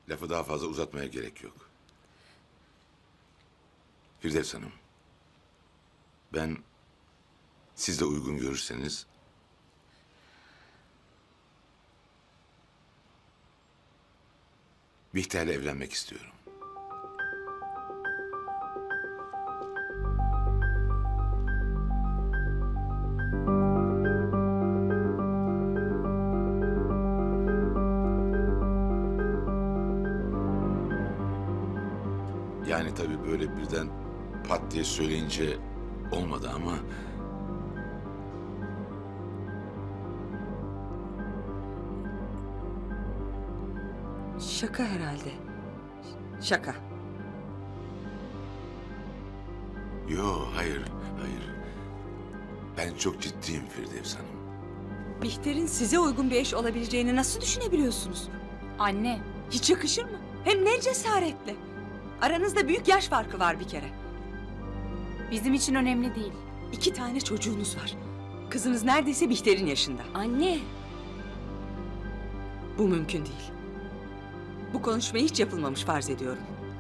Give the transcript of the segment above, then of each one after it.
Lafı daha fazla uzatmaya gerek yok. Firdevs Hanım, ben siz de uygun görürseniz Bihter'le evlenmek istiyorum. Yani tabii böyle birden pat diye söyleyince olmadı ama... Şaka herhalde. Şaka. Yo, hayır, hayır. Ben çok ciddiyim Firdevs Hanım. Bihter'in size uygun bir eş olabileceğini nasıl düşünebiliyorsunuz? Anne, Hiç yakışır mı? Hem ne cesaretle. Aranızda büyük yaş farkı var bir kere. bizim için önemli değil. 2 tane çocuğunuz var. Kızınız neredeyse Bihter'in yaşında. Anne, Bu mümkün değil. Bu konuşma hiç yapılmamış farz ediyorum.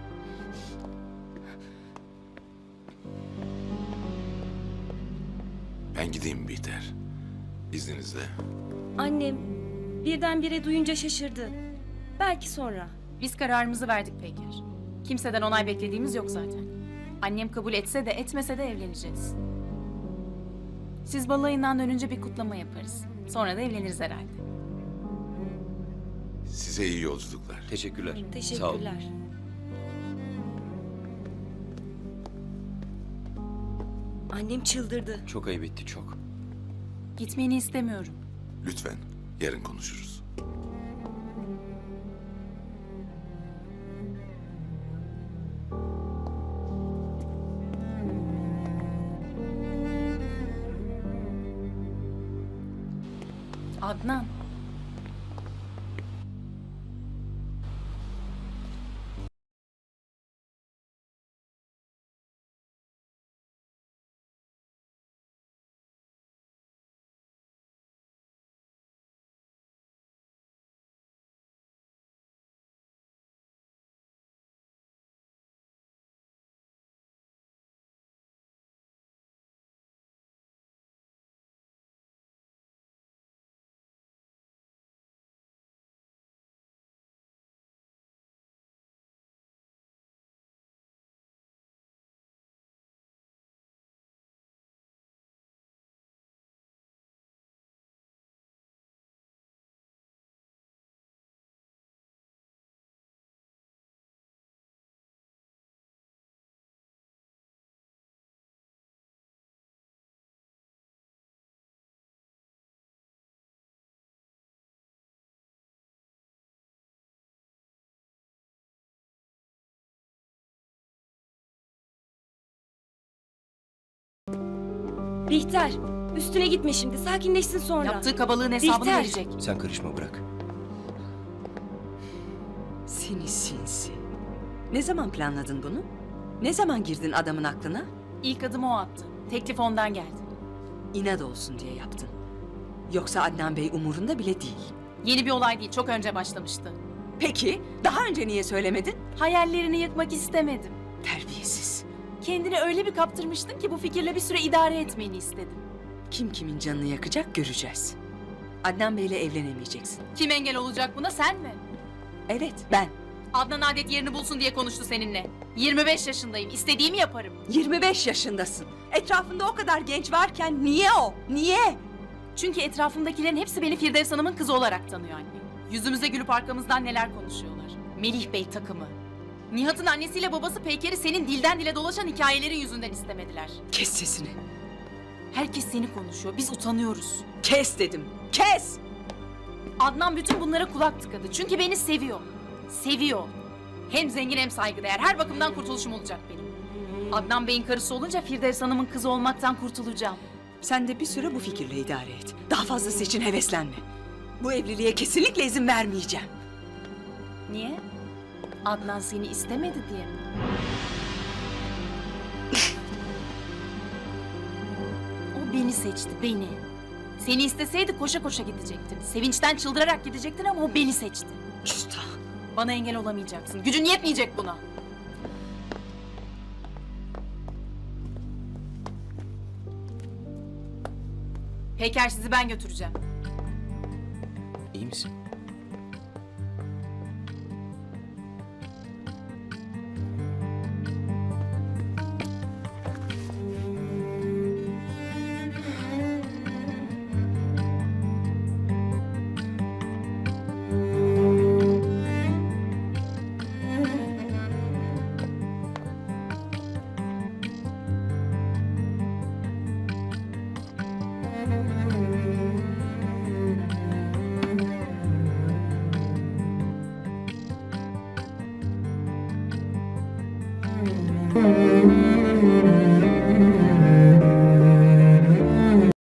Ben gideyim Bihter. İzninizle. annem birdenbire duyunca şaşırdı. Belki sonra. Biz kararımızı verdik Peyker. Kimseden onay beklediğimiz yok zaten. Annem kabul etse de etmese de evleneceğiz. Siz balayından dönünce bir kutlama yaparız. Sonra da evleniriz herhalde. Size iyi yolculuklar. Teşekkürler. Sağ olun. Teşekkürler. Annem çıldırdı. Çok ayıp etti, çok. Gitmeni istemiyorum. Lütfen, yarın konuşuruz. Adnan. Bihter, üstüne gitme şimdi. Sakinleşsin sonra. Yaptığı kabalığın hesabını Bihter. verecek. Sen karışma, bırak. Seni sinsi. Ne zaman planladın bunu? Ne zaman girdin adamın aklına? İlk adımı o attı. Teklif ondan geldi. İnat olsun diye yaptın. Yoksa Adnan Bey umurunda bile değil. Yeni bir olay değil, çok önce başlamıştı. Peki, daha önce niye söylemedin? Hayallerini yıkmak istemedim. Terbiyesiz. Kendini öyle bir kaptırmıştın ki bu fikirle bir süre idare etmeni istedim. Kim kimin canını yakacak göreceğiz. Adnan Bey'le evlenemeyeceksin. Kim engel olacak buna, sen mi? Evet, ben. Adnan adet yerini bulsun diye konuştu seninle. 25 yaşındayım, istediğimi yaparım. 25 yaşındasın. Etrafında o kadar genç varken niye o? Niye? Çünkü etrafımdakilerin hepsi beni Firdevs Hanım'ın kızı olarak tanıyor anne. Yüzümüze gülüp arkamızdan neler konuşuyorlar. Melih Bey takımı. Nihat'ın annesiyle babası Peyker'i senin dilden dile dolaşan hikayelerin yüzünden istemediler. Kes sesini. Herkes seni konuşuyor, biz utanıyoruz. Kes dedim. Kes! Adnan bütün bunlara kulak tıkadı. Çünkü beni seviyor. Seviyor. Hem zengin hem saygıdeğer. Her bakımdan kurtuluşum olacak benim. Adnan Bey'in karısı olunca Firdevs Hanım'ın kızı olmaktan kurtulacağım. Sen de bir süre bu fikirle idare et. Daha fazlası için heveslenme. Bu evliliğe kesinlikle izin vermeyeceğim. Niye? Adnan seni istemedi diye mi? O beni seçti, beni. Seni isteseydi koşa koşa gidecektin. Sevinçten çıldırarak gidecektin ama o beni seçti. Küstah. Bana engel olamayacaksın. Gücün yetmeyecek buna. Peyker sizi ben götüreceğim. İyi misin?